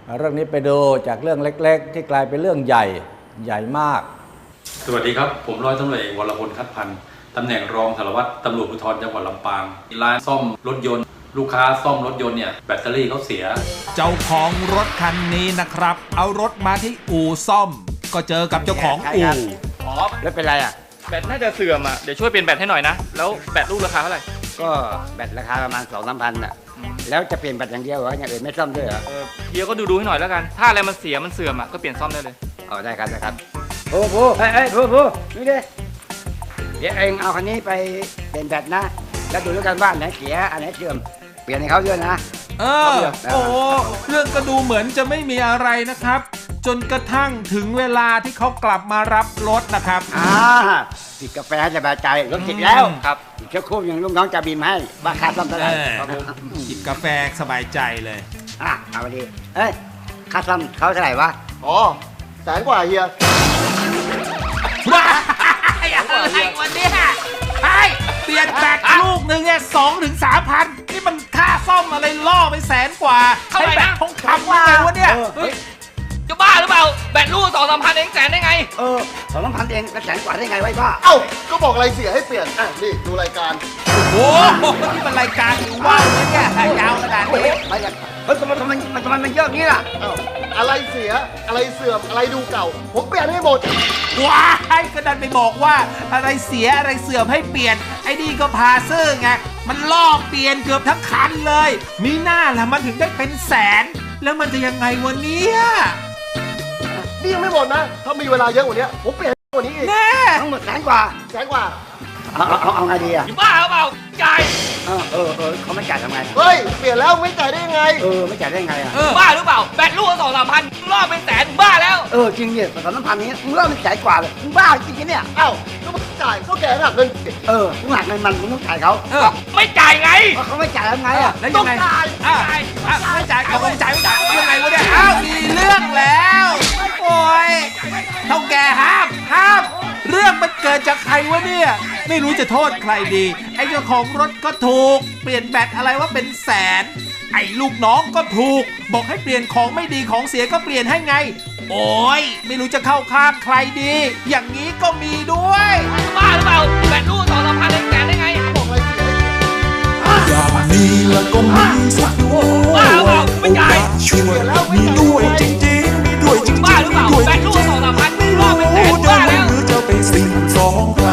เรื่องนี้ไปดูจากเรื่องเล็กๆที่กลายเป็นเรื่องใหญ่มากสวัสดีครับผมร้อยตำรวจเอกวรพลคัดพันธ์ตำแหน่งรองสารวัตรตำรวจภูธรจังหวัดลำปางร้านซ่อมรถยนต์ลูกค้าซ่อมรถยนต์เนี่ยแบตเตอรี่เขาเสียเจ้าของรถคันนี้นะครับเอารถมาที่อู่ซ่อมก็เจอกับเจ้าของอู่อ๋อแล้วเป็นไรอ่ะแบตน่าจะเสื่อมอ่ะเดี๋ยวช่วยเปลี่ยนแบตให้หน่อยนะแล้วแบตลูกราคาเท่าไหร่ก็แบตราคาประมาณ 2-3 พันอ่ะแล้วจะเปลี่ยนแบตอย่างเดียวเหรออย่างอื่นไม่ซ่อมด้วยเหรอเฮียก็ดูให้หน่อยแล้วกันถ้าอะไรมันเสียมันเสื่อมอ่ะก็เปลี่ยนซ่อมได้เลยอ๋อได้ครับผู้นี่ดิเดี๋ยวเองเอาคันนี้ไปเปลี่ยนแบตนะแล้วดูแล้วกันว่าอันไหนเสียอันไหนเสื่อมเปลี่ยนให้เขาด้วยนะโอ้เรื่องก็ดูเหมือนจะไม่มีอะไรนะครับจนกระทั่งถึงเวลาที่เขากลับมารับรถนะครับจิบกาแฟสบายใจรถติดแล้วครับอีกชั่วโมงอย่างลูกน้องจะบินให้ว่าค่าซ่อมเท่าไหร่จิบกาแฟสบายใจเลยเอาไปดิค่าซ่อมเขาเท่าไหร่วะอ๋อ100,000 กว่าเฮียว้าอะไรวันนี้เปลี่ยนแบตลูกหนึ่งเนี่ย2-3 พันนี่มันค่าซ่อมอะไรล่อไป100,000 กว่าให้แบตทองคำว่าไงวะเนี่ยจะบ้าหรือเปล่าแบตลูก2-3 พันเองแสนได้ไง 2-3 พันเอง100,000 กว่าได้ไงไว้บ้าเอ้าก็บอกอะไรเสียให้เปลี่ยนนี่ดูรายการโอ้โหนี่มันรายการหรือว่าเนี่ยยาวขนาดนี้ทำไมมันเยอะงี้ล่ะอะไรเสียอะไรเสื่อมอะไรดูเก่าผมเปลี่ยนให้หมดว้ายก็ดันไปบอกว่าอะไรเสียอะไรเสื่อมให้เปลี่ยนไอ้นี่ก็พาซื่อไงมันล่อเปลี่ยนเกือบทั้งคันเลยมีหน้าล่ะมันถึงได้เป็นแสนแล้วมันจะยังไงวะเนี่ยนี่ยังไม่หมดนะถ้ามีเวลาเยอะกว่านี้ผมเปลี่ยนกว่านี้อีกทั้งหมด100,000 กว่าเอาไงดีอ่ะบ้าหรือเปล่าจ่ายเขาไม่จ่ายทำไงเฮ้ยเปลี่ยนแล้วไม่จ่ายได้ยังไงไม่จ่ายได้ยังไงอ่ะบ้าหรือเปล่าแบตลูก2-3 พันล่อเป็นแสนบ้าแล้วจริงเนี่ย2-3 พันนี้มึงล่อเป็น100,000 กว่าเลยมึงบ้าจริงเนี่ยเอ้าก็มึงจ่ายก็แกหักเงินมึงหักเงินมันมึงต้องจ่ายเขาไม่จ่ายไงเขาไม่จ่ายแล้วไงอ่ะแล้วยังไงไม่จ่ายเขาไม่จ่ายยังไงวะเนี่ยมีเรื่องแล้วโอ้ยเท่าแก่ห้ามเรื่องมันเกิดจากใครวะเนี่ยไม่รู้จะโทษใครดีไอ้เจ้าของรถก็ถูกเปลี่ยนแบตอะไรว่าเป็นแสนไอ้ลูกน้องก็ถูกบอกให้เปลี่ยนของไม่ดีของเสียก็เปลี่ยนให้ไงโอ้ยไม่รู้จะเข้าข้างใครดีอย่างนี้ก็มีด้วยบ้าหรือเปล่าแบตลูก2-3 พันเองแสนได้ไงบอกอะไรเสียอย่างนี้แล้วก็มีสักด้วยโอกาสช่วยมีด้วยจริงๆมีด้วยจริงๆบ้าหรือเปล่าแบตลูก2-3 พันไม่ล่อเป็นแสนบ้าแล้วหรือจะเป็นสิ่งสองใคร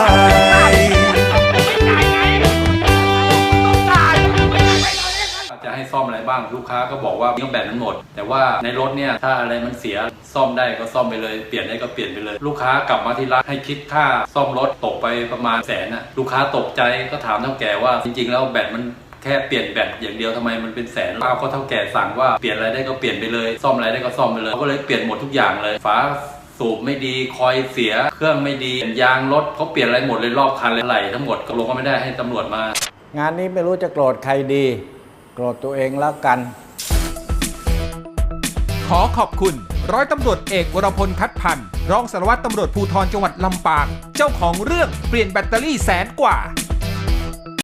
จะให้ซ่อมอะไรบ้างลูกค้าก็บอกว่าแบตมันหมดแต่ว่าในรถเนี่ยถ้าอะไรมันเสียซ่อมได้ก็ซ่อมไปเลยเปลี่ยนได้ก็เปลี่ยนไปเลยลูกค้ากลับมาที่ร้านให้คิดค่าซ่อมรถตกไปประมาณ100,000นะลูกค้าตกใจก็ถามเท่าแก่ว่าจริงๆแล้วแบตมันแค่เปลี่ยนแบตอย่างเดียวทำไมมันเป็นแสนป้าก็เท่าแก่สั่งว่าเปลี่ยนอะไรได้ก็เปลี่ยนไปเลยซ่อมอะไรได้ก็ซ่อมไปเลยเขาก็เลยเปลี่ยนหมดทุกอย่างเลยฝาสูบไม่ดีคอยเสียเครื่องไม่ดียางรถเขาเปลี่ยนอะไรหมดเลยรอบคันเลยไหลทั้งหมดก็ลงก็ไม่ได้ให้ตำรวจมางานนี้ไม่รู้จะโกรธใครดีโกรธตัวเองแล้วกันขอขอบคุณร้อยตำรวจเอกวรพลคัดพันธ์รองสารวัตรตำรวจภูธรจังหวัดลำปางเจ้าของเรื่องเปลี่ยนแบตเตอรี่100,000 กว่า